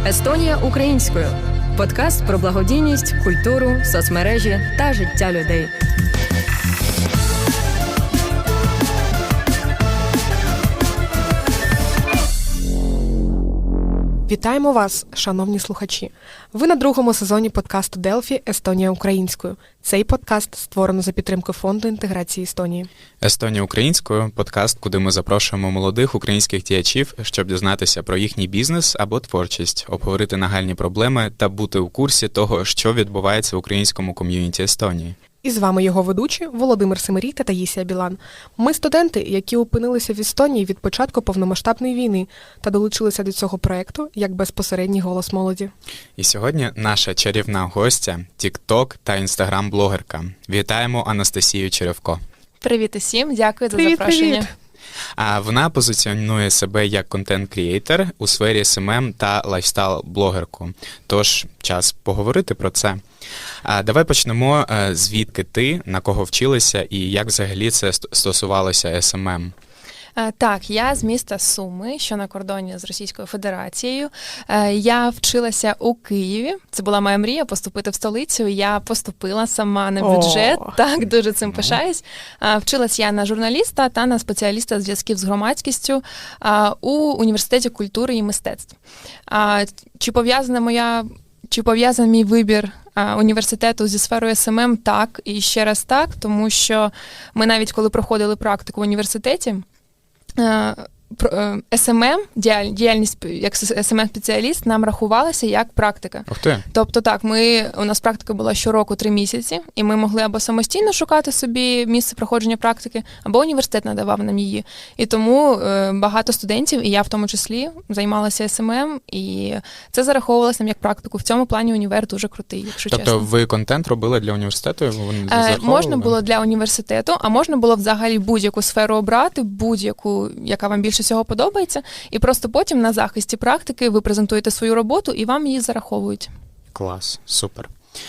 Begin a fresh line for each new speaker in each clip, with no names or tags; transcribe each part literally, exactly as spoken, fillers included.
Естонія українською. Подкаст про благодійність, культуру, соцмережі та життя людей.
Вітаємо вас, шановні слухачі! Ви на другому сезоні подкасту Делфі «Естонія українською». Цей подкаст створено за підтримки Фонду інтеграції Естонії.
«Естонія українською» – подкаст, куди ми запрошуємо молодих українських діячів, щоб дізнатися про їхній бізнес або творчість, обговорити нагальні проблеми та бути у курсі того, що відбувається в українському ком'юніті Естонії.
І з вами його ведучі Володимир Семерій та Таїсія Білан. Ми студенти, які опинилися в Естонії від початку повномасштабної війни та долучилися до цього проєкту як безпосередній голос молоді.
І сьогодні наша чарівна гостя, тік-ток та інстаграм-блогерка. Вітаємо Анастасію Черевко.
Привіт усім, дякую за
Привіт,
запрошення.
Привіт.
А вона позиціонує себе як контент-крієйтер у сфері ес ем ем та лайфстайл-блогерку. Тож, час поговорити про це. А давай почнемо, звідки ти, на кого вчилася і як взагалі це стосувалося ес ем ем.
Так, я з міста Суми, що на кордоні з Російською Федерацією. Я вчилася у Києві. Це була моя мрія поступити в столицю. Я поступила сама на бюджет.
О.
Так, дуже цим пишаюсь. Вчилась я на журналіста та на спеціаліста з зв'язків з громадськістю у Університеті культури і мистецтв. Чи пов'язана моя, чи пов'язаний мій вибір університету зі сферою ес ем ем? Так, і ще раз так, тому що ми навіть коли проходили практику в університеті, ес ем ем, діяльність як ес ем ем-спеціаліст нам рахувалася як практика.
Ух ти.
Тобто так, ми, у нас практика була щороку три місяці, і ми могли або самостійно шукати собі місце проходження практики, або університет надавав нам її. І тому е, багато студентів, і я в тому числі, займалася ес ем ем, і це зараховувалося нам як практику. В цьому плані універ дуже крутий, якщо
тобто,
чесно.
Тобто ви контент робили для університету? Вони
е, можна було для університету, а можна було взагалі будь-яку сферу обрати, будь-яку, яка вам більше всього подобається, і просто потім на захисті практики ви презентуєте свою роботу і вам її зараховують.
Клас, супер.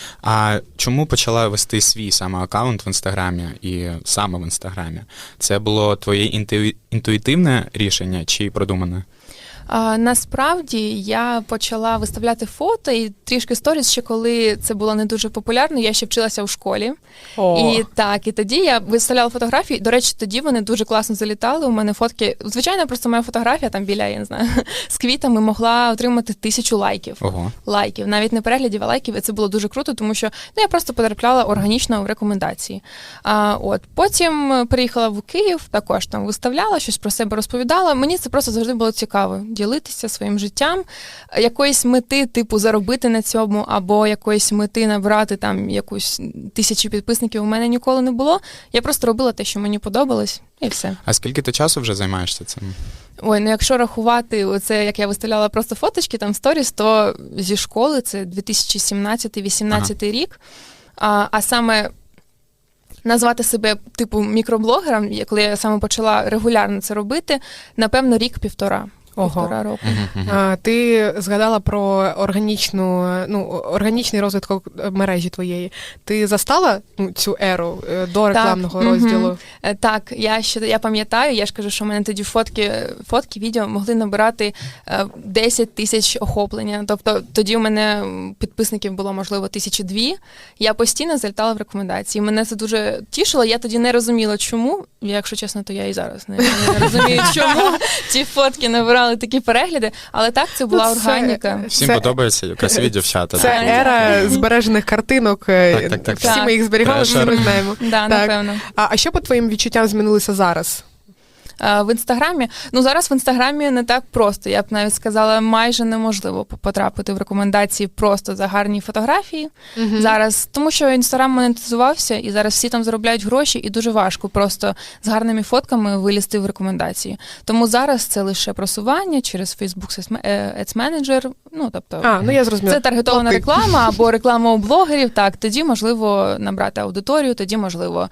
А чому почала вести свій саме аккаунт в Інстаграмі і саме в Інстаграмі? Це було твоє інту... інтуїтивне рішення чи продумане?
А, насправді я почала виставляти фото і трішки сторіс ще коли це було не дуже популярно, я ще вчилася у школі.
О.
І так, і тоді я виставляла фотографії, до речі, тоді вони дуже класно залітали, у мене фотки, звичайно, просто моя фотографія там біля, я не знаю, з квітами могла отримати тисячу лайків.
Ого.
Лайків, навіть не переглядів, а лайків, і це було дуже круто, тому що ну, я просто потрапляла органічно в рекомендації. А, от, потім приїхала в Київ, також там виставляла, щось про себе розповідала, мені це просто завжди було цікаво. Ділитися своїм життям, якоїсь мети, типу, заробити на цьому, або якоїсь мети набрати там якусь тисячу підписників у мене ніколи не було. Я просто робила те, що мені подобалось, і все.
А скільки ти часу вже займаєшся цим?
Ой, ну якщо рахувати оце, як я виставляла просто фоточки, там сторіс, то зі школи це дві тисячі сімнадцятий-вісімнадцятий ага. рік, а, а саме назвати себе, типу, мікроблогером, коли я саме почала регулярно це робити, напевно, рік-півтора. Півтора року.
Uh-huh, uh-huh.
А, ти згадала про органічну, ну, органічний розвиток мережі твоєї. Ти застала ну, цю еру до рекламного
так,
розділу?
Угу. Так, я ще я пам'ятаю, я ж кажу, що в мене тоді фотки, фотки, відео могли набирати десять тисяч охоплення. Тобто тоді у мене підписників було, можливо, тисячі дві. Я постійно залітала в рекомендації. Мене це дуже тішило. Я тоді не розуміла, чому. Якщо чесно, то я і зараз не, не розумію, чому ці фотки набирали такі перегляди, але так, це була
це,
органіка.
Всім
це,
подобається красиві дівчата.
Це
так.
ера збережених картинок.
Так, так, так,
Всі
так.
ми їх зберігали, всі ми знаємо.
Да,
так.
напевно.
А, а що по твоїм відчуттям змінилося зараз?
В Інстаграмі, ну зараз в Інстаграмі не так просто, я б навіть сказала, майже неможливо потрапити в рекомендації просто за гарні фотографії. Uh-huh. Зараз, тому що Інстаграм монетизувався, і зараз всі там заробляють гроші, і дуже важко просто з гарними фотками вилізти в рекомендації. Тому зараз це лише просування через Facebook Ads Manager, ну тобто
а, ну, я зрозуміла.
Це таргетована реклама або реклама у блогерів, так, тоді можливо набрати аудиторію, тоді можливо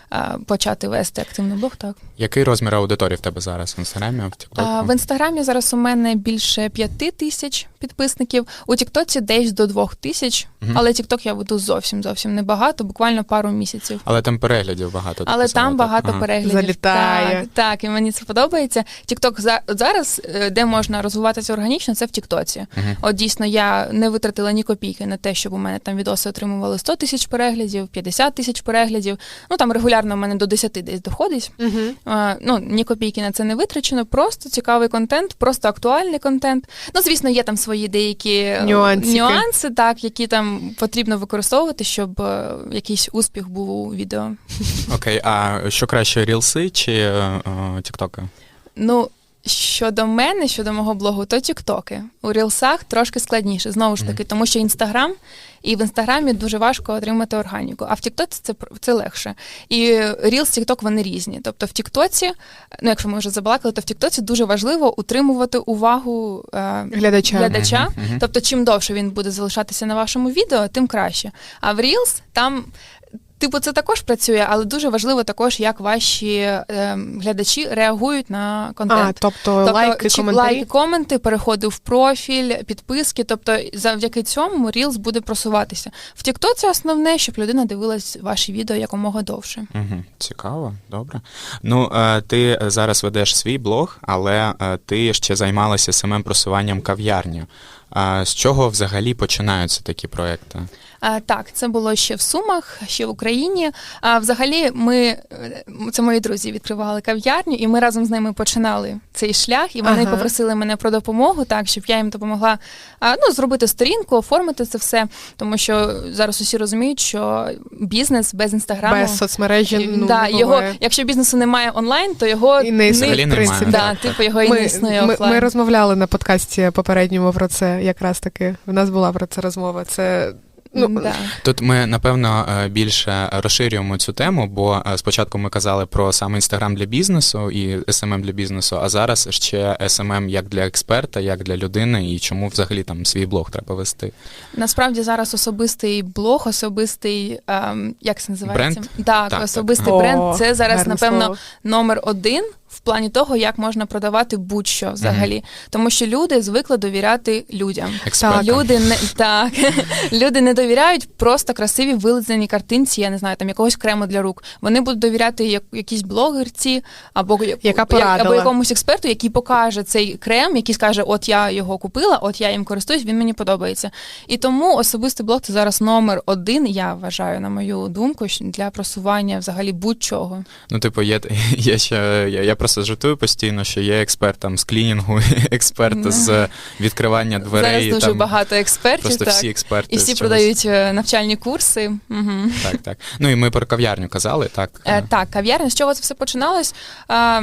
а, почати вести активний блог, так.
Який розмір аудиторії в тебе зараз в інстаграмі, в Тіктоку?
А, в інстаграмі зараз у мене більше п'яти тисяч підписників, у Тіктоці десь до двох тисяч,
Мгм.
але Тікток я веду зовсім зовсім небагато, буквально пару місяців.
Але там переглядів багато. ти
Але
казала,
там
так?
багато
Ага.
переглядів.
Залітає.
Так, так, і мені це подобається. Тікток за от зараз, е, де можна розвиватися органічно, це в Тіктоці.
Мгм.
От дійсно, я не витратила ні копійки на те, щоб у мене там відоси отримували сто тисяч переглядів, п'ятдесят тисяч переглядів. Ну там регулярно у мене до десяти десь доходить.
Угу.
А, ну, ні копійки на це не витрачено, просто цікавий контент, просто актуальний контент. Ну, звісно, є там свої деякі е,
Нюансики.
нюанси, так, які там потрібно використовувати, щоб е, якийсь успіх був у відео.
Окей, а що краще, рілси чи е, е, тіктоки?
Ну, щодо мене, щодо мого блогу, то тіктоки. У рілсах трошки складніше, знову ж таки, тому що інстаграм, і в інстаграмі дуже важко отримати органіку, а в тіктоці це, пр- це легше. І рілс, тікток, вони різні. Тобто в тіктоці, ну якщо ми вже забалакали, то в тіктоці дуже важливо утримувати увагу е,
Глядача.
глядача.
Мгм, мгм.
Тобто, чим довше він буде залишатися на вашому відео, тим краще. А в Reels там, типу, це також працює, але дуже важливо також, як ваші е, глядачі реагують на контент.
А, тобто, лайки,
чи
коментарі.
лайки, коменти, переходи в профіль, підписки. Тобто, завдяки цьому Reels буде просуватися. В Тіктоці основне, щоб людина дивилась ваші відео якомога довше.
Угу. Цікаво, добре. Ну, е, ти зараз ведеш свій блог, але е, ти ще займалася самим просуванням кав'ярні. А з чого взагалі починаються такі проекти?
А, так, це було ще в Сумах, ще в Україні. А взагалі, ми е, це мої друзі відкривали кав'ярню, і ми разом з ними починали цей шлях. І вони
Ага.
попросили мене про допомогу, так щоб я їм допомогла а, ну, зробити сторінку, оформити це все. Тому що зараз усі розуміють, що бізнес без інстаграму
Без соцмережі, ну,
да,
не
його,
буває.
якщо бізнесу немає онлайн, то його
І не
Взагалі
існує, в
немає.
принципі.
да,
Так,
типу його і не існує
ми,
офлайн.
ми розмовляли на подкасті попередньому про це, якраз таки. В нас була про це розмова. Це, ну,
да.
Тут ми, напевно, е, більше розширюємо цю тему, бо е, спочатку ми казали про саме Інстаграм для бізнесу і ес ем ем для бізнесу, а зараз ще ес ем ем як для експерта, як для людини, і чому взагалі там свій блог треба вести.
Насправді зараз особистий блог, особистий, ем, як це називається?
Бренд?
Так,
Так,
особистий
так.
бренд.
О,
Це зараз,
гарне
напевно,
слово.
номер один в плані того, як можна продавати будь-що взагалі. Тому що люди звикли довіряти людям.
Експертам.
Люди не так, люди не довіряють просто красиві вилизані картинці, я не знаю, там якогось крему для рук. Вони будуть довіряти як, якійсь блогерці або,
Яка
або
порадила.
якомусь експерту, який покаже цей крем, який скаже, от я його купила, от я їм користуюсь, він мені подобається. І тому особистий блог це зараз номер один, я вважаю, на мою думку, щ- для просування взагалі будь-чого.
Ну, типу, є, є ще, я, я просто жартую постійно, що є експерт там з клінінг, експерт
Да.
з відкривання дверей.
Зараз дуже
там,
багато експертів,
Просто
так.
всі експерти.
І всі
з чогось.
продають е, навчальні курси. Угу.
Так, так. Ну і ми про кав'ярню казали, так?
Е, так, кав'ярня. З чого це все починалось? Е,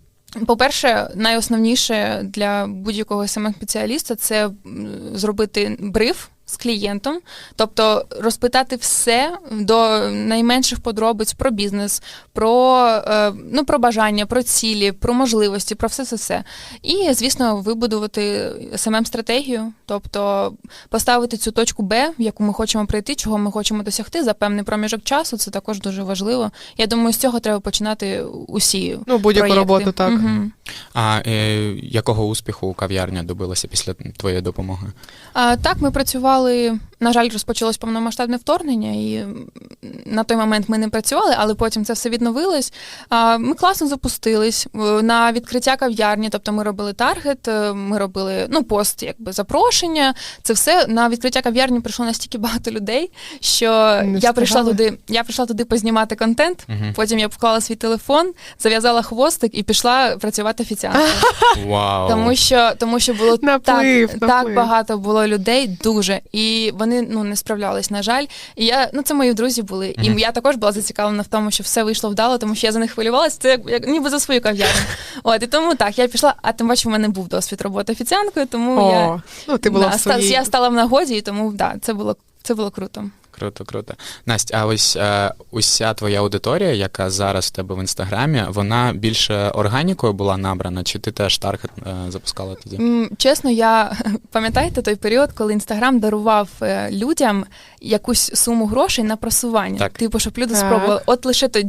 по-перше, найосновніше для будь-якого ес ем ем-спеціаліста – це м, зробити бриф з клієнтом, тобто розпитати все до найменших подробиць про бізнес, про, е, ну, про бажання, про цілі, про можливості, про все-все-все. І, звісно, вибудувати ес ем ем-стратегію, тобто поставити цю точку Б, в яку ми хочемо прийти, чого ми хочемо досягти за певний проміжок часу, це також дуже важливо. Я думаю, з цього треба починати усі
Ну, будь-яку
проєкти.
роботу, так.
Мгм.
А е, якого успіху кав'ярня добилася після твоєї допомоги?
А, так, ми працювали, на жаль, розпочалось повномасштабне вторгнення, і м, на той момент ми не працювали, але потім це все відновилось. А, ми класно запустились е, на відкриття кав'ярні, тобто ми робили таргет, е, ми робили, ну, пост, якби, запрошення. Це все, на відкриття кав'ярні прийшло настільки багато людей, що
Не
я прийшла
встигали.
туди, я прийшла туди познімати контент,
Мгм.
потім я поклала свій телефон, зав'язала хвостик і пішла працювати офіціанткою.
Вау!
Тому що, тому що було
Наплив,
так,
наплив.
так багато було людей, дуже. І вони, ну, не справлялись, на жаль. І я, ну, це мої друзі були. І
Мгм.
я також була зацікавлена в тому, що все вийшло вдало, тому що я за них хвилювалася. Це як, як ніби за свою кав'ярню. От, і тому так, я пішла, а тим паче в мене був досвід роботи офіціанткою, тому
О,
я,
ну, ти була
да,
в своїй...
ста- я стала в нагоді, і тому да, це було, це було круто.
Круто, круто. Настя, а ось е, уся твоя аудиторія, яка зараз в тебе в інстаграмі, вона більше органікою була набрана, чи ти теж таргет е, запускала тоді?
М, Чесно, я пам'ятаєте той період, коли Інстаграм дарував е, людям якусь суму грошей на просування.
Так.
Типу, щоб люди
Так.
спробували. От лише тоді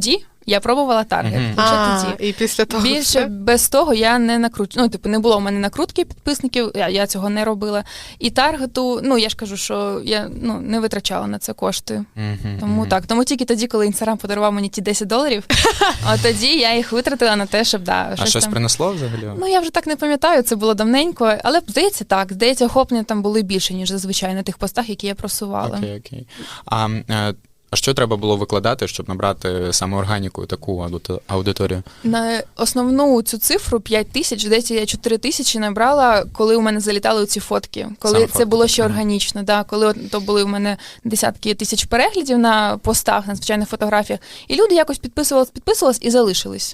я пробувала таргет.
Мгм.
Лише
А,
тоді.
і після того
Більше
все?
без того я не накручу. Ну, типу, не було в мене накрутки підписників, я, я цього не робила. І таргету, ну я ж кажу, що я ну, не витрачала на це кошти.
Мгм,
Тому
мгм.
так. Тому тільки тоді, коли Інстаграм подарував мені ті десять доларів, от тоді я їх витратила на те, щоб да,
А щось
там.
принесло взагалі?
Ну, я вже так не пам'ятаю, це було давненько, але здається так. Здається, охоплення там були більше, ніж зазвичай на тих постах, які я просувала.
Окей, окей. А, е, а що треба було викладати, щоб набрати саме органіку таку аудито- аудиторію?
На основну цю цифру п'ять тисяч, здається, я чотири тисячі набрала, коли у мене залітали ці фотки. Коли
Саме
це
фотки,
було ще
ага.
органічно, да, коли от, то були у мене десятки тисяч переглядів на постах, на звичайних фотографіях, і люди якось підписувались, підписувались і залишились.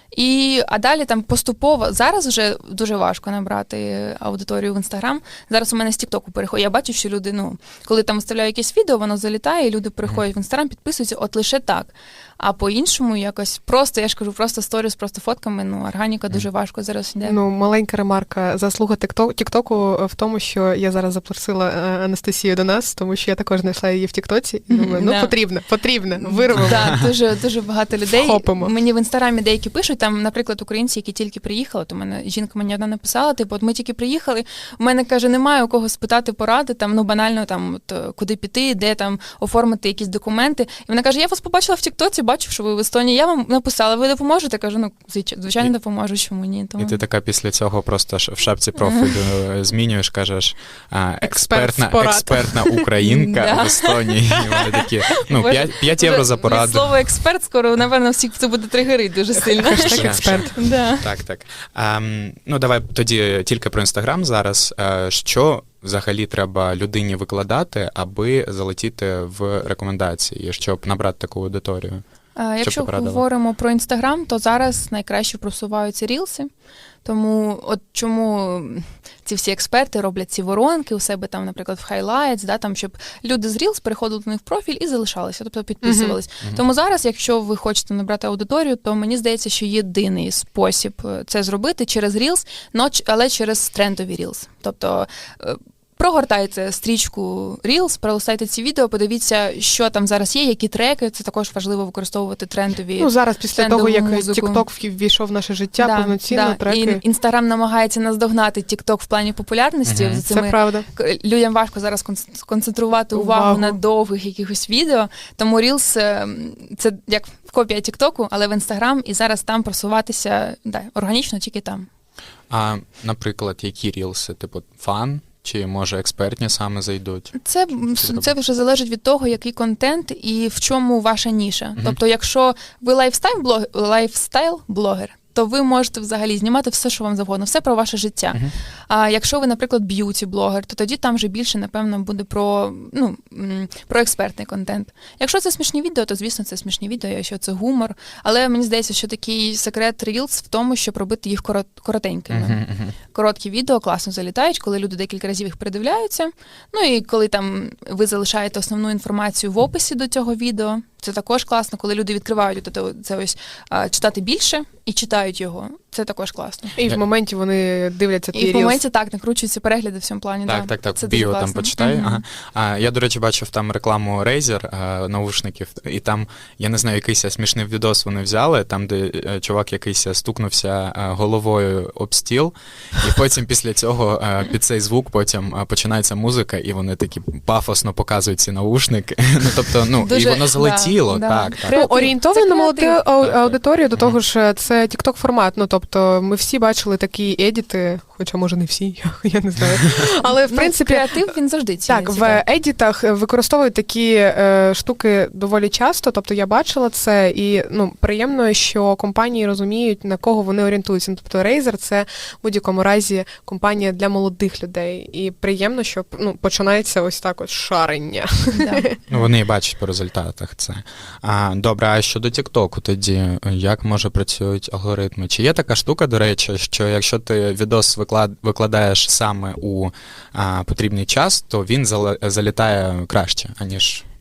І, а далі там поступово, зараз вже дуже важко набрати аудиторію в Інстаграм. Зараз у мене з Тіктоку переходять. Я бачу, що люди, ну, коли там виставляю якесь відео, воно залітає, і люди переходять в Інстаграм, підписуються, от лише так. А по-іншому якось просто, я ж кажу, просто сторіс, просто фотками, ну, органіка дуже важко зараз йде.
Ну, маленька ремарка. Заслуга Тікток- Тіктоку в тому, що я зараз запросила е, Анастасію до нас, тому що я також знайшла її в Тіктоці. І думаю, ну
Да.
потрібно, потрібно, вирвемо.
Так, дуже, дуже багато людей.
Вхопимо.
Мені в Інстаграмі деякі пишуть, там, наприклад, українці, які тільки приїхали, то мене жінка мені одна написала, типу, от ми тільки приїхали, у мене, каже, немає у кого спитати поради, там, ну, банально, там, от, е, куди піти, де там оформити якісь документи. І вона каже, я вас побачила в Тіктоці, бачу, що ви в Естонії, я вам написала, ви допоможете? Кажу, ну, звич- звичайно, допоможу, чому ні. Тому...
І ти така після цього просто ж в шапці профілю змінюєш, кажеш, а, експертна,
порад.
експертна українка
Да.
в Естонії. І вони такі, ну,
Боже,
п'ять євро за
Від
пораду.
слова експерт скоро, напевно, всіх це буде тригерить дуже сильно.
Ще,
експерт.
ще.
Да.
Так, так. Ем, ну, давай тоді тільки про Інстаграм зараз. Е, що взагалі треба людині викладати, аби залетіти в рекомендації, щоб набрати таку аудиторію?
А, Якщо
ти порадила?
говоримо про Інстаграм, то зараз найкраще просуваються рілси. Тому от чому ці всі експерти роблять ці воронки у себе там, наприклад, в Highlights, да, там, щоб люди з Reels переходили до них в профіль і залишалися, тобто підписувались.
Мгм.
Тому зараз, якщо ви хочете набрати аудиторію, то мені здається, що єдиний спосіб е, це зробити через Reels, но ч- але через трендові Reels. Тобто е, прогортайте стрічку Reels, пролистайте ці відео, подивіться, що там зараз є, які треки. Це також важливо використовувати трендові.
Ну, зараз після
трендову
того, як
музику.
TikTok ввійшов в наше життя,
Да,
повноцінно
да.
треки.
І Інстаграм намагається наздогнати TikTok в плані популярності.
Мгм.
За
Це
цими
правда.
к- людям важко зараз кон- сконцентрувати увагу,
Увагу.
на довгих якихось відео. Тому Reels е, – це як копія TikTok, але в Інстаграм, і зараз там просуватися да, органічно тільки там.
А, наприклад, які рілси? Типу, фан? Чи, може, експертні саме зайдуть?
Це, м,
Це
це вже залежить від того, який контент і в чому ваша ніша.
Мгм.
Тобто, якщо ви лайфстайл-блогер, лайфстайл-блогер, то ви можете взагалі знімати все, що вам завгодно, все про ваше життя.
Мгм.
А якщо ви, наприклад, б'юті-блогер, то тоді там вже більше, напевно, буде про, ну, м, про експертний контент. Якщо це смішні відео, то, звісно, це смішні відео, якщо це гумор. Але мені здається, що такий секрет Reels в тому, щоб робити їх корот- коротенькими.
Мгм, мгм.
Короткі відео класно залітають, коли люди декілька разів їх передивляються. Ну і коли там ви залишаєте основну інформацію в описі до цього відео, це також класно, коли люди відкривають от це ось а, читати більше і читають його. Це також класно.
І в моменті вони дивляться
І
твій
в
Reels.
моменті так накручуються перегляди в цьому плані.
Так,
да.
так, так,
Це
в
дуже
біо там
класно.
почитай.
Мгм.
Ага. А, я, до речі, бачив там рекламу Razer а, наушників, і там, я не знаю, якийсь смішний відос вони взяли, там, де е, чувак якийсь стукнувся е, головою об стіл, і потім після цього е, під цей звук потім е, починається музика, і вони такі пафосно показують ці наушники. Ну, тобто, ну, і
Дуже,
воно залетіло,
да,
так,
да.
так.
Ну,
Креатив.
орієнтовано
Це
на молоду
креатив.
ау-
Так,
аудиторію, до
так.
того ж, це TikTok формат. Ну, тобто, ми всі бачили такі едіти, хоча, може, не всі, я не знаю. Але, в
Ну,
принципі,
креатив, він завжди
так,
ціниться.
в едітах використовують такі е, штуки доволі часто, тобто я бачила це, і ну, приємно, що компанії розуміють, на кого вони орієнтуються. Ну, тобто Razer – це в будь-якому разі компанія для молодих людей. І приємно, що ну, починається ось так от шарення.
Да.
Ну, вони і бачать по результатах це. А, добре, а щодо Тіктоку тоді, як, може, працюють алгоритми? Чи є така штука, до речі, що якщо ти відос виклад... викладаєш саме у а, потрібний час, то він зал... залітає краще, аніж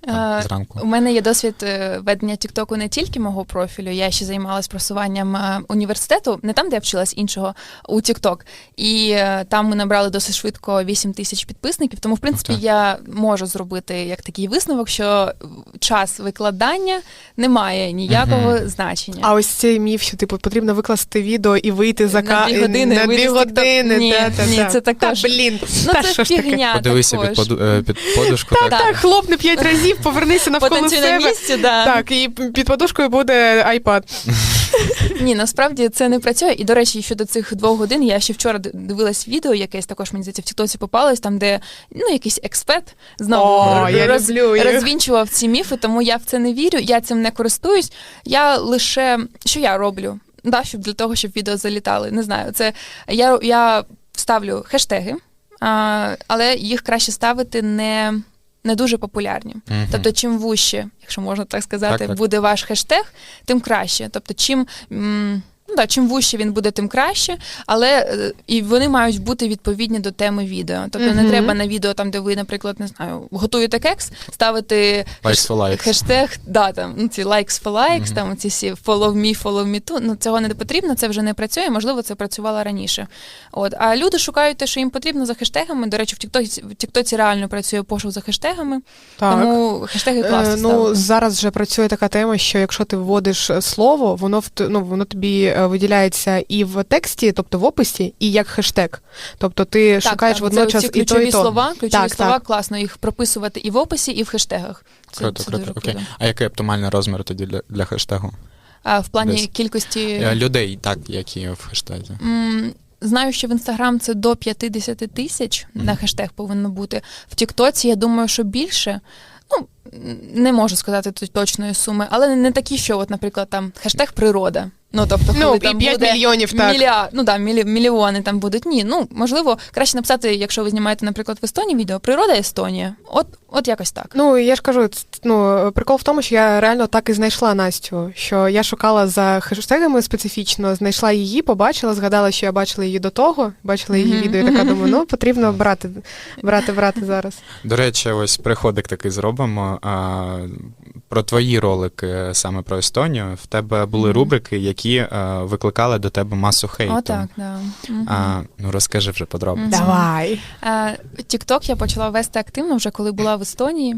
там,
Е,
зранку?
У мене є досвід е, ведення Тіктоку не тільки мого профілю, я ще займалась просуванням е, університету, не там, де я вчилась, іншого, у Тікток. І е, там ми набрали досить швидко вісім тисяч підписників, тому, в принципі,
Ух ти.
я можу зробити як такий висновок, що час викладання не має ніякого
Мгм.
значення.
А ось цей міф, що типу потрібно викласти відео і вийти за
На
ка...
дві години
на
вийти
дві
з TikTok.
години.
Ні,
та, та,
ні,
та.
це також.
Та, блін,
Ну,
та
це
що ж таке?
фігня
Подивися під,
також.
поду, е, під подушку.
Так,
так.
Так, хлопни п'ять разів, повернися навколо
Потанцюй на
себе.
місці, да.
Так, і під подушкою буде iPad.
Ні, насправді це не працює. І, до речі, щодо цих двох годин, я ще вчора дивилась відео, якесь також, мені здається, в Тіктоці попалось, там, де ну, якийсь експерт знову
О, я
роз,
люблю їх.
розвінчував ці міфи, тому я в це не вірю, я цим не користуюсь. Я лише, що я роблю? Да, щоб для того, щоб відео залітали. Не знаю, це я, я ставлю хештеги, а, але їх краще ставити не, не дуже популярні.
Мгм.
Тобто, чим вужче, якщо можна так сказати,
Так, так.
буде ваш хештег, тим краще. Тобто, чим, м, ну, да, чим вужче він буде, тим краще, але е, і вони мають бути відповідні до теми відео. Тобто, не
Мгм.
треба на відео, там, де ви, наприклад, не знаю, готуєте кекс, ставити
Likes for likes.
хештег, да, там, ну, ці likes for likes,
Мгм.
там, ці всі follow me, follow me too. Ну, цього не потрібно, це вже не працює, можливо, це працювало раніше. От. А люди шукають те, що їм потрібно за хештегами. До речі, в Тіктоці, в Тіктоці реально працює пошук за хештегами,
Так.
тому хештеги класно
Е, ну,
ставити.
зараз вже працює така тема, що якщо ти вводиш е, слово, воно в т- ну, воно тобі е, виділяється і в тексті, тобто в описі, і як хештег. Тобто ти шукаєш водночас
це,
і то,
ключові
і то.
слова, ключові
Так,
слова
так.
класно їх прописувати і в описі, і в хештегах. Це,
Круто,
це
круто.
дуже
Окей.
круто.
А який оптимальний розмір тоді для, для хештегу?
А в плані
Десь.
кількості
Е, Людей, так, які в хештезі.
м, знаю, що в Інстаграм це до п'ятдесят тисяч
Мгм.
на хештег повинно бути. В Тіктоці, я думаю, що більше. Ну, не можу сказати тут точної суми, але не такі, що, от, наприклад, там хештег природа. Ну, тобто, коли
Ну, і
там
п'ять
буде
мільйонів, так.
мілья... ну, да, мілі... мільйони там будуть. Ні, ну, можливо, краще написати, якщо ви знімаєте, наприклад, в Естонії відео, природа Естонія. От, от якось так.
Ну, я ж кажу, ц- ну, прикол в тому, що я реально так і знайшла Настю, що я шукала за хештегами специфічно, знайшла її, побачила, згадала, що я бачила її до того, бачила її
Мгм.
відео, і така думаю, ну, потрібно брати, брати, брати зараз.
До речі, ось приходик такий зробимо. А, про твої ролики саме про Естонію. В тебе були
Мгм.
рубрики, які е, викликали до тебе масу хейту.
О, так, да. Мгм.
А, ну розкажи вже подробиці.
Мгм.
Давай.
Тікток я почала вести активно вже коли була в Естонії.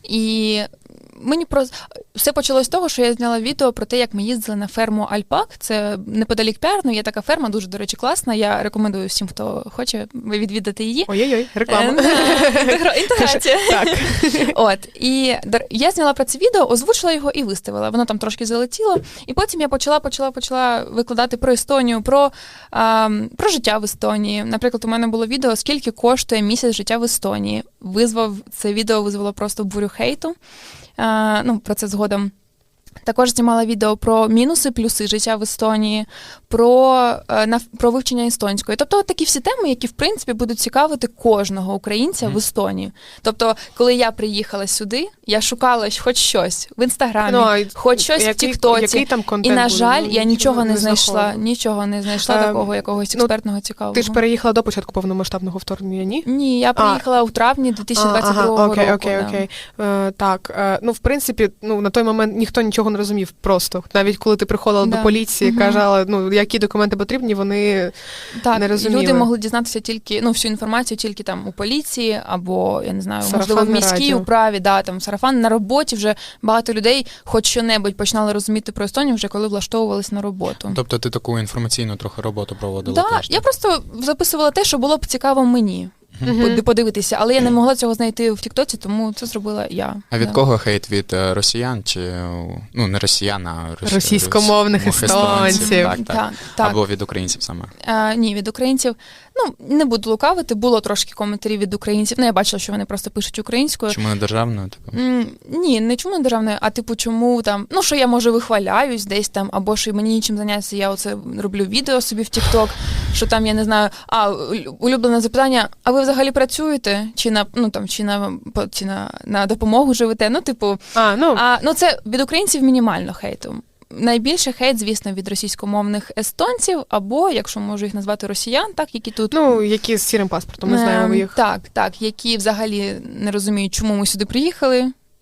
І мені просто все почалось з того, що я зняла відео про те, як ми їздили на ферму Альпак. Це неподалік Пярну, є така ферма, дуже, до речі, класна. Я рекомендую всім, хто хоче відвідати її.
Ой-ой-ой, реклама.
Е, да, інтегра- Інтеграція.
Так.
От, і дор- я зняла про це відео, озвучила його і виставила. Воно там трошки залетіло. І потім я почала, почала, почала викладати про Естонію, про, а, про життя в Естонії. Наприклад, у мене було відео, скільки коштує місяць життя в Естонії. Визвав, це відео визвало просто бурю хейту. А, ну, про це згодом. Також знімала відео про мінуси, плюси життя в Естонії, про, е, нав- про вивчення естонської. Тобто от такі всі теми, які, в принципі, будуть цікавити кожного українця
Мгм.
в Естонії. Тобто, коли я приїхала сюди, я шукала хоч щось в Інстаграмі,
Ну, а
хоч щось в
який-
Тіктоці.
який там
І,
контент
на
буде?
жаль,
Ну,
я нічого не знайшла,
знаходила.
нічого не знайшла
Е,
такого якогось
ну,
експертного цікавого.
Ти ж переїхала до початку повномасштабного вторгнення, ні?
Ні, я приїхала у травні дві тисячі двадцять другого
ага, окей,
року.
окей,
да.
окей. Е, так, е, ну, в принципі, ну, на той момент ніхто нічого не розумів просто. Навіть коли ти приходила
Да.
до поліції,
Мгм.
казала, ну, які документи потрібні, вони...
Так,
не розуміли.
люди могли дізнатися тільки, ну, всю інформацію тільки там у поліції, або, я не знаю, можливо, в
Сарафанне
міській
радіо.
управі, да, там, сарафан на роботі вже багато людей хоч що-небудь починали розуміти про Естонію вже коли влаштовувались на роботу.
Тобто ти таку інформаційну трохи роботу проводила
Да,
теж?
я просто записувала те, що було б цікаво мені
Мгм.
под- подивитися, але я не могла цього знайти в Тіктоці, тому це зробила я.
А від
да.
кого хейт? Від е, росіян чи е, ну не росіян, а росі-
Російськомовних
рос-
естонців.
Так, так.
Так, так.
Або від українців саме.
А, ні, від українців. Ну, не буду лукавити, було трошки коментарів від українців. Ну, я бачила, що вони просто пишуть українською.
Чому не державною? Типу?
М, Ні, не чому не державною, а типу, чому там, ну що я може вихваляюсь десь там, або що мені нічим зайнятися, я оце роблю відео собі в TikTok, що там я не знаю. А улюблене запитання: а ви взагалі працюєте? Чи на ну там чи на по- чи на, на допомогу живете? Ну, типу,
А, ну,
а ну це від українців мінімально хейту. Найбільше хейт, звісно, від російськомовних естонців, або, якщо можу їх назвати, росіян, так, які тут
ну, які з сірим паспортом, ми знаємо
Ем,
їх.
Так, так, які взагалі не розуміють, чому ми сюди приїхали,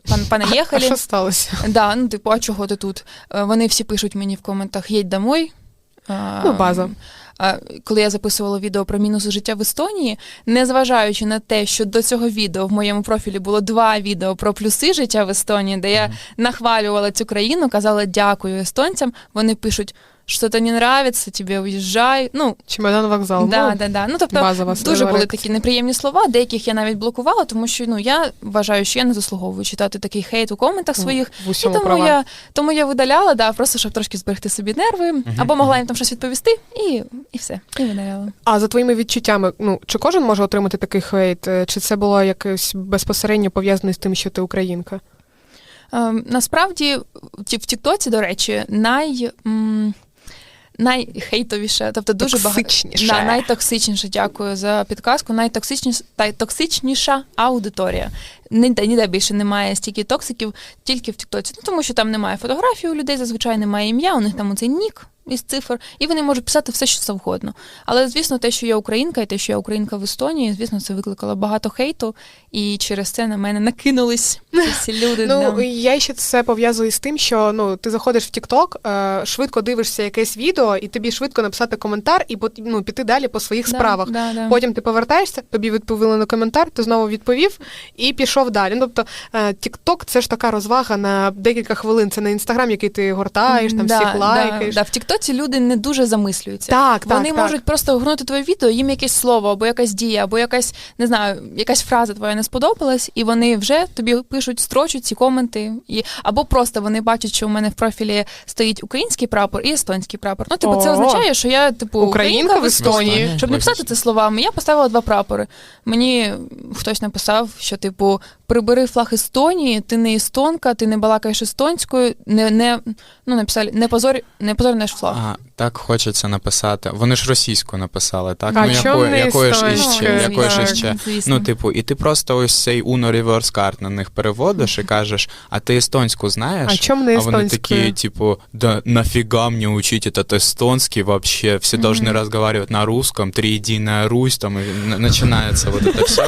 пан, пане
А
Єхалі.
що сталося?
Да, ну, типу, а чого ти тут? Е, Вони всі пишуть мені в коментах «Їдь домой». А,
Ну, база.
а, Коли я записувала відео про мінуси життя в Естонії, незважаючи на те, що до цього відео в моєму профілі було два відео про плюси життя в Естонії, де я нахвалювала цю країну, казала дякую естонцям, вони пишуть, що то не нравиться, тобі уїжджай. Ну,
Чемодан вокзал.
да,
Ну,
да, да. Ну, тобто,
базова
дуже були
реакція.
такі неприємні слова, деяких я навіть блокувала, тому що ну, я вважаю, що я не заслуговую читати такий хейт у коментах своїх.
В
І
усьому
тому
права.
я, тому я видаляла, да, просто щоб трошки зберегти собі нерви, або могла їм там щось відповісти, і, і все, і видаляла.
А за твоїми відчуттями, ну, чи кожен може отримати такий хейт? Е, Чи це було якось безпосередньо пов'язане з тим, що ти українка?
Ем, насправді, в Ті- в Тіктоці, до речі, най... м, найхейтовіше, тобто дуже багато
Токсичніше.
да, найтоксичніше, дякую за підказку. Найтоксичніша та токсичніша аудиторія. Ніде, ніде більше немає стільки токсиків, тільки в Тіктоці. Ну тому що там немає фотографій у людей, зазвичай немає ім'я, у них там оцей нік із цифр, і вони можуть писати все, що завгодно. Але, звісно, те, що я українка, і те, що я українка в Естонії, звісно, це викликало багато хейту, і через це на мене накинулись ці всі люди.
Ну,
да.
я ще це пов'язую з тим, що ну, ти заходиш в TikTok, е, швидко дивишся якесь відео, і тобі швидко написати коментар і пот- ну, піти далі по своїх
Да,
справах.
да, да.
Потім ти повертаєшся, тобі відповіли на коментар, ти знову відповів і пішов далі. Ну, тобто, е, TikTok – це ж така розвага на декілька хвилин. Це не Інстаграм, який ти гортаєш, там
Да,
всіх лайкаєш.
Да, да. В Тіктоці люди не дуже замислюються.
Так, так,
Вони
так.
можуть просто гнути твоє відео, їм якесь слово, або якась дія, або якась, не знаю, якась фраза твоя не сподобалась, і вони вже тобі пишуть, строчуть ці коменти. І, або просто вони бачать, що у мене в профілі стоїть український прапор і естонський прапор. Ну, типу, це
О!
означає, що я, типу,
Українка в Естонії.
Щоб не писати це словами, я поставила два прапори. Мені хтось написав, що, типу, прибери флаг Естонії, ти не естонка, ти не балакаєш естонською, не, не, ну, написали, не позор, не позор наш флаг.
А, так хочеться написати. Вони ж російською написали, так?
А
ну,
чому не
якою ж
естонською?
іще, якою ж
Так,
іще.
звісно.
Ну, типу, і ти просто ось цей Uno Reverse Card на них переводиш і кажеш, а ти естонську знаєш?
А чому не
А вони
естонською?
такі, типу, да нафига мне учить этот эстонский вообще? Все должны разговаривать на русском, триединая Русь, там, и н- начинается вот это все.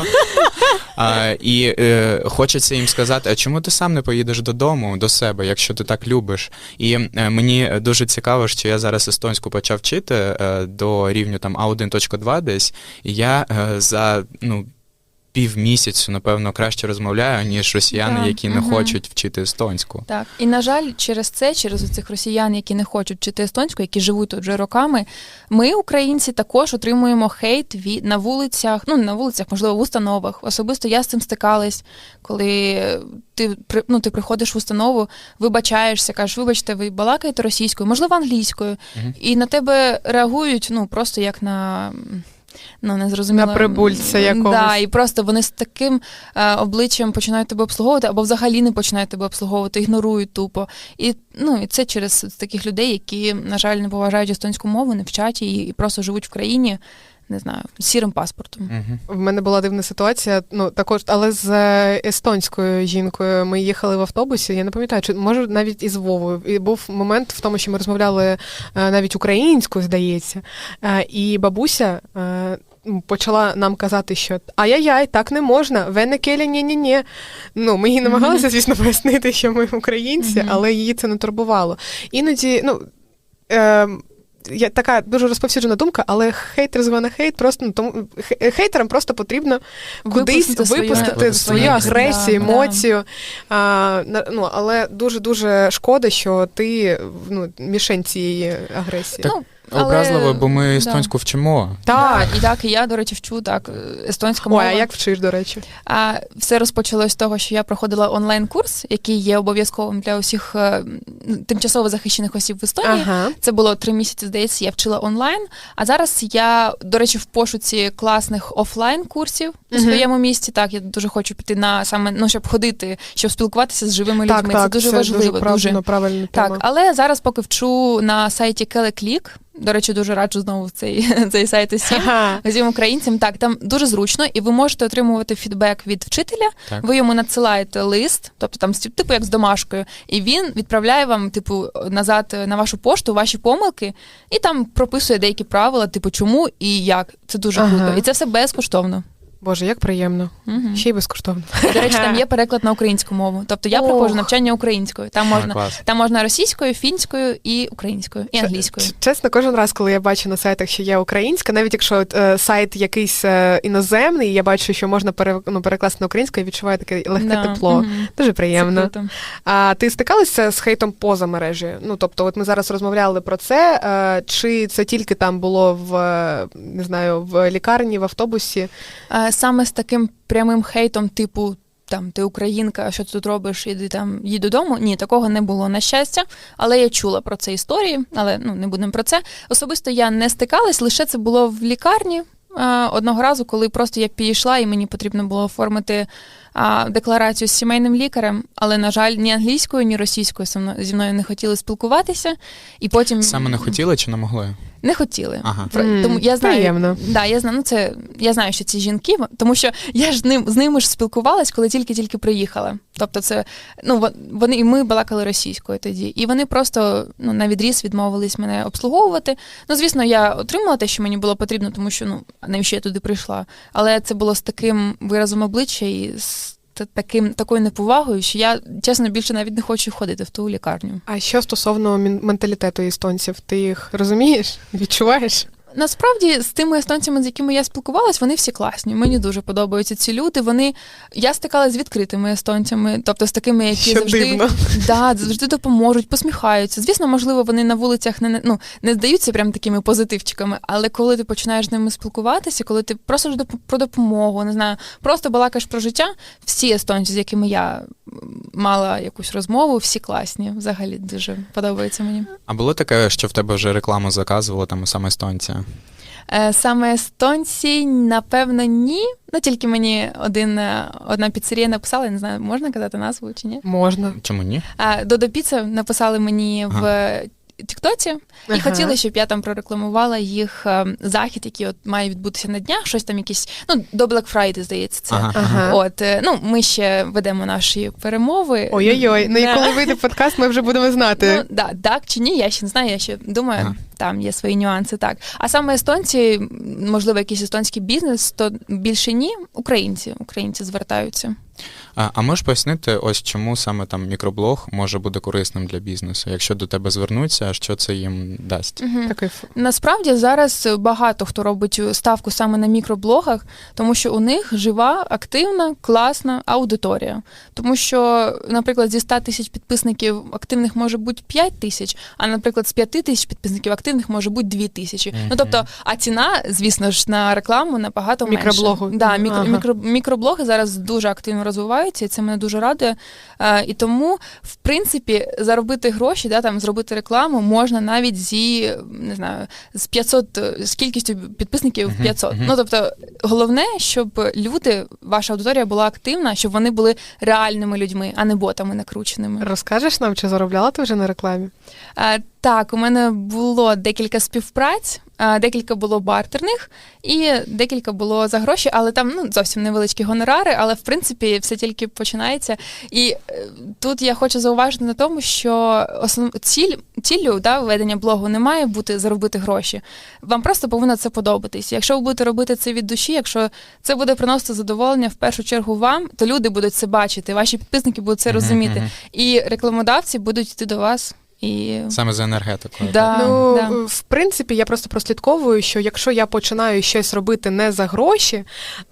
А, і е, хочеться їм сказати, а чому ти сам не поїдеш додому, до себе, якщо ти так любиш? І е, мені дуже цікаво, що я зараз естонську почав вчити е, до рівню там а один точка два десь, і я е, за, ну, півмісяцю, напевно, краще розмовляю, ніж росіяни,
Да,
які не
мгм.
хочуть вчити естонську.
Так, і на жаль, через це, через цих росіян, які не хочуть вчити естонську, які живуть тут вже роками, ми, українці, також отримуємо хейт від на вулицях, ну не на вулицях, можливо, в установах. Особисто я з цим стикалась, коли ти при- ну, ти приходиш в установу, вибачаєшся, кажеш, вибачте, ви балакаєте російською, можливо, англійською,
Мгм.
і на тебе реагують, ну просто як на. Ну, не зрозуміло.
На прибульця якогось.
Да, і просто вони з таким е, обличчям починають тебе обслуговувати, або взагалі не починають тебе обслуговувати, ігнорують тупо. І, ну, і це через таких людей, які, на жаль, не поважають естонську мову, не вчать її і просто живуть в країні, не знаю, з сірим паспортом.
Мгм.
В мене була дивна ситуація, ну також, але з е, естонською жінкою ми їхали в автобусі. Я не пам'ятаю, чи може навіть із Вовою. І був момент в тому, що ми розмовляли е, навіть українською, здається. Е, І бабуся е, почала нам казати, що ай-яй-яй, так не можна, венекелі, ні-ні-ні. Ну, ми їй намагалися, звісно, пояснити, що ми українці,
Мгм.
але її це не турбувало. Іноді, ну. Е, Я така дуже розповсюджена думка, але хейтер звана хейт, просто ну, тому хе- хейтерам просто потрібно кудись
Випустити свою-
випустити свою,
свою
агресію,
да,
емоцію. А, на- ну, але дуже дуже шкода, що ти ну, мішень цієї агресії.
Так,
Ну, але-
Образливо, бо ми
да.
естонську вчимо.
Так.
Да, і так, і я, до речі, вчу так, естонська
Ой,
мова.
а як вчиш, до речі?
А все розпочалось з того, що я проходила онлайн-курс, який є обов'язковим для усіх е, тимчасово захищених осіб в Естонії.
Ага.
Це було три місяці, здається, я вчила онлайн. А зараз я, до речі, в пошуці класних офлайн-курсів у
Мгм.
своєму місті. Так, я дуже хочу піти на саме, ну, щоб ходити, щоб спілкуватися з живими
Так,
людьми.
так,
це дуже важливо.
дуже правильно, правильна
Так,
тема.
але зараз поки вчу на сайті Келеклік. До речі, дуже раджу знову в цей, цей сайт усім.
Ага.
Всім українцям, так, там дуже зручно, і ви можете отримувати фідбек від вчителя,
Так.
ви йому надсилаєте лист, тобто там типу як з домашкою, і він відправляє вам, типу, назад на вашу пошту ваші помилки, і там прописує деякі правила, типу, чому і як. Це дуже
Ага.
круто. І це все безкоштовно.
Боже, як приємно.
Угу.
Ще й безкоштовно.
До речі, там є переклад на українську мову. Тобто я
Ох.
проходжу навчання українською. Там
А,
можна,
клас.
там можна російською, фінською і українською, і
Ч-
англійською.
ч- Чесно, кожен раз, коли я бачу на сайтах, що є українська, навіть якщо от, е, сайт якийсь е, іноземний, я бачу, що можна пере, ну, перекласти на українську, я відчуваю таке легке
Да.
тепло.
Мгм.
Дуже
Це
приємно.
круто.
А ти стикалася з хейтом поза мережею? Ну, тобто, от ми зараз розмовляли про це, е, чи це тільки там було в, е, не знаю, в лікарні, в автобусі?
А, Саме з таким прямим хейтом, типу, там, ти українка, що ти тут робиш, іди там, їдь додому. Ні, такого не було, на щастя. Але я чула про це історії, але ну, не будемо про це. Особисто я не стикалась, лише це було в лікарні. А, Одного разу, коли просто я підійшла, і мені потрібно було оформити а, декларацію з сімейним лікарем, але, на жаль, ні англійською, ні російською зі мною- зі мною не хотіли спілкуватися. І потім...
Саме не хотіли чи не могли?
Не хотіли.
Ага.
Про-
М,
Тому я знаю,
приємно.
да, я знаю, ну це я знаю, що ці жінки, тому що я ж ним з ними ж спілкувалась, коли тільки-тільки приїхала. Тобто, це ну вон- вони і ми балакали російською тоді, і вони просто ну на відріз відмовились мене обслуговувати. Ну, звісно, я отримала те, що мені було потрібно, тому що ну навіщо я туди прийшла. Але це було з таким виразом обличчя і з та- таким такою неповагою, що я чесно більше навіть не хочу ходити в ту лікарню.
А що стосовно мін- менталітету естонців? Ти їх розумієш? Відчуваєш?
Насправді, з тими естонцями, з якими я спілкувалась, вони всі класні. Мені дуже подобаються ці люди. Вони я стикалася з відкритими естонцями, тобто з такими, які
Що
завжди
дивно.
да, завжди допоможуть, посміхаються. Звісно, можливо, вони на вулицях не ну не здаються прям такими позитивчиками, але коли ти починаєш з ними спілкуватися, коли ти просиш доп- про допомогу, не знаю, просто балакаєш про життя, всі естонці, з якими я мала якусь розмову, всі класні. Взагалі дуже подобається мені.
А було таке, що в тебе вже рекламу заказували там саме естонці?
Е, Саме естонці, напевно, ні. Ну, тільки мені один, е, одна піцерія написала, я не знаю, можна казати назву чи ні.
Можна.
Чому ні?
А, Додо Піца написали мені
Ага.
в Тіктоці і
Ага.
хотіли, щоб я там прорекламувала їх е, захід, який от має відбутися на днях, щось там якісь, ну, до Black Friday, здається, це.
Ага.
Ага.
От, е, ну, ми ще ведемо наші перемови.
Ой-ой-ой. Ну і
Да.
коли вийде подкаст, ми вже будемо знати.
Ну, да, так чи ні, я ще не знаю, я ще думаю,
Ага.
там є свої нюанси, так. А саме естонці, можливо, якийсь естонський бізнес, то більше ні, українці, українці звертаються.
А, а можеш пояснити, ось чому саме там мікроблог може бути корисним для бізнесу? Якщо до тебе звернуться, що це їм дасть?
Мгм.
Такий ф-
Насправді зараз багато хто робить ставку саме на мікроблогах, тому що у них жива, активна, класна аудиторія. Тому що, наприклад, зі ста тисяч підписників активних може бути п'ять тисяч, а, наприклад, з п'яти тисяч підписників активних може бути дві тисячі.
Мгм.
Ну, тобто, а ціна, звісно ж, на рекламу набагато менше.
Мікроблогу.
Да, мікро,
Ага.
мікро, мікроблоги зараз дуже активно розвиваються, і це мене дуже радує. Е, і тому, в принципі, заробити гроші, да, там, зробити рекламу можна навіть зі, не знаю, з п'ятсот, з кількістю підписників
Мгм,
п'ятсот.
мгм.
Ну, тобто, головне, щоб люди, ваша аудиторія була активна, щоб вони були реальними людьми, а не ботами накрученими.
Розкажеш нам, чи заробляла ти вже на рекламі?
Е, Так, у мене було декілька співпраць, е, декілька було бартерних і декілька було за гроші, але там ну, зовсім невеличкі гонорари, але в принципі все тільки починається. І е, тут я хочу зауважити на тому, що основ... ціль, ціллю да, ведення блогу не має бути заробити гроші. Вам просто повинно це подобатись. Якщо ви будете робити це від душі, якщо це буде приносити задоволення в першу чергу вам, то люди будуть це бачити, ваші підписники будуть це
Мгм,
розуміти,
мгм.
і рекламодавці будуть йти до вас. І
Саме за енергетикою.
Да.
Ну,
да.
в принципі, я просто прослідковую, що якщо я починаю щось робити не за гроші,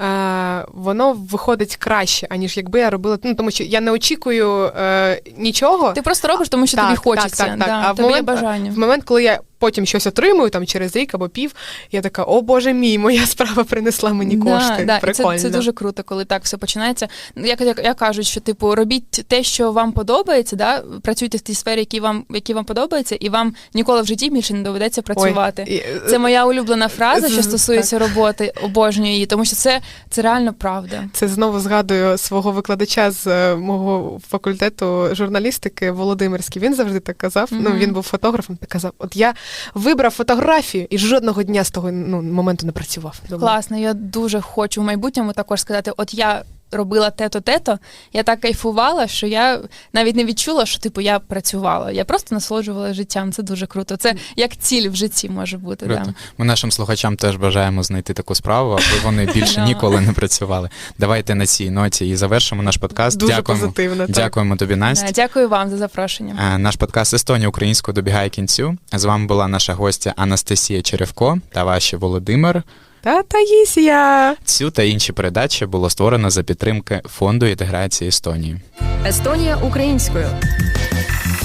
е, воно виходить краще, аніж якби я робила. Ну, тому що я не очікую е, нічого.
Ти просто робиш, тому що
Так,
тобі
так,
хочеться.
так, так.
Да,
А в
тобі є
момент-
бажання.
В момент, коли я потім щось отримую, там через рік або пів, я така, о Боже мій, моя справа принесла мені кошти.
Да, да. І
Прикольно.
це, це дуже круто, коли так все починається. Ну, Як, як, як кажуть, що типу робіть те, що вам подобається, да? Працюйте в тій сфері, які вам, які вам подобається, і вам ніколи в житті більше не доведеться працювати.
Ой, і-
Це моя улюблена фраза, що
З-
стосується роботи, обожнюю її, тому що це, це реально правда.
Це знову згадую свого викладача з е, мого факультету журналістики Володимирський. Він завжди так казав.
Мгм.
Ну він був фотографом. Так казав: от я вибрав фотографію і жодного дня з того ну, моменту не працював. Думаю,
Класно, я дуже хочу в майбутньому також сказати, от я робила те-то-те-то, я так кайфувала, що я навіть не відчула, що типу я працювала. Я просто насолоджувала життям. Це дуже круто. Це як ціль в житті може бути.
Круто.
Да.
Ми нашим слухачам теж бажаємо знайти таку справу, аби вони більше ніколи не працювали. Давайте на цій ноті і завершимо наш подкаст.
Дуже
Дякуємо.
позитивно. Так.
Дякуємо тобі, Настя.
Да, дякую вам за запрошення.
Е, Наш подкаст «Естонія українською» добігає кінцю. З вами була наша гостя Анастасія Черевко та ваші Володимир.
Та Таїсія!
Цю та інші передачі було створено за підтримки Фонду інтеграції Естонії.
Естонія українською.